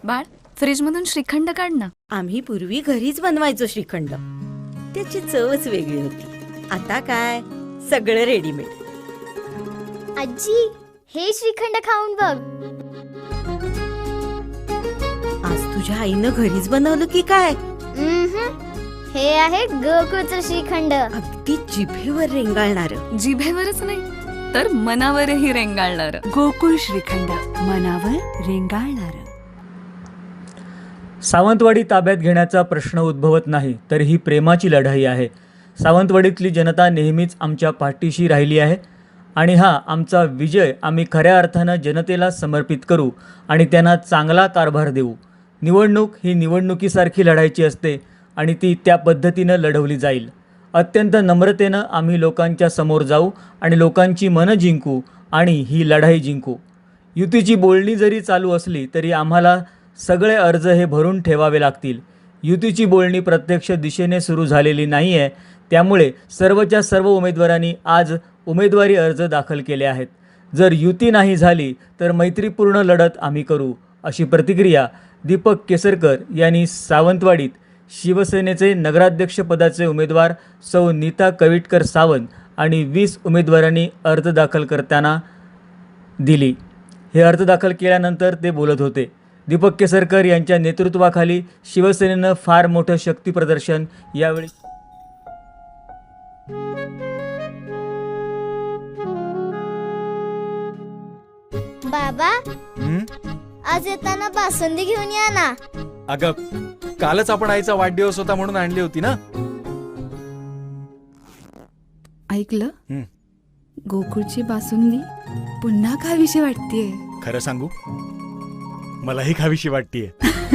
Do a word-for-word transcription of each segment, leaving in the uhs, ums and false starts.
बाळ, फ्रीजमधून श्रीखंड काढ ना. आम्ही पूर्वी घरीच बनवायचो श्रीखंड. त्याची चवच वेगळी होती. आता काय सगळं रेडीमेड. आजी, हे श्रीखंड खाऊन बघ. आज तुझ्या आईनं घरीच बनवलं की काय? उम्हम. हे आहे गोकुळचं श्रीखंड. अगदी जिभेवर रेंगाळणार. जिभेवरच नाही तर मनावरही रेंगाळणार. गोकुळ श्रीखंड, मनावर रेंगाळणार. सावंतवाडी ताब्यात घेण्याचा प्रश्न उद्भवत नाही, तर ही प्रेमाची लढाई आहे. सावंतवाडीतली जनता नेहमीच आमच्या पाठीशी राहिली आहे आणि हा आमचा विजय आम्ही खऱ्या अर्थानं जनतेला समर्पित करू आणि त्यांना चांगला कारभार देऊ. निवडणूक ही निवडणुकीसारखी लढायची असते आणि ती त्या पद्धतीनं लढवली जाईल. अत्यंत नम्रतेनं आम्ही लोकांच्या समोर जाऊ आणि लोकांची मनं जिंकू आणि ही लढाई जिंकू. युतीची बोलणी जरी चालू असली तरी आम्हाला सगळे अर्ज हे भरून ठेवावे लागतील. युतीची बोलणी प्रत्यक्ष दिशेने सुरू झालेली नाही आहे, त्यामुळे सर्वच्या सर्व उमेदवारांनी आज उमेदवारी अर्ज दाखल केले आहेत. जर युती नाही झाली तर मैत्रीपूर्ण लढत आम्ही करू, अशी प्रतिक्रिया दीपक केसरकर यांनी सावंतवाडीत शिवसेनेचे नगराध्यक्षपदाचे उमेदवार सौ नीता कविटकर सावंत आणि वीस उमेदवारांनी अर्ज दाखल करताना दिली. हे अर्ज दाखल केल्यानंतर ते बोलत होते. दीपक केसरकर यांच्या नेतृत्वाखाली शिवसेनेनं फार मोठं शक्ती प्रदर्शन यावेळी बाबा, हं? आज येताना बासुंदी घेऊन या ना. अगं, कालच आपण आईचा वाढदिवस होता म्हणून आणली होती ना. ऐकलं? हं. गोकुळची बासुंदी पुन्हा खावीशी वाटतेय. खरं सांगू, मलाही खावीशी वाटतीये.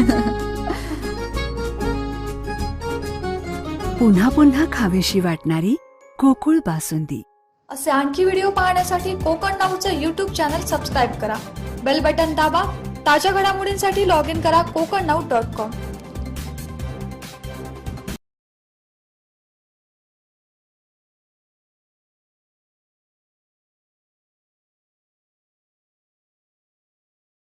पुन्हा पुन्हा खावीशी वाटणारी गोकुळ बासुंदी. असे आणखी व्हिडिओ पाहण्यासाठी कोकण नाऊचं यूट्यूब चॅनल सबस्क्राईब करा. बेल बटन दाबा. ताज्या घडामोडींसाठी लॉग इन करा कोकण नाऊ डॉट कॉम.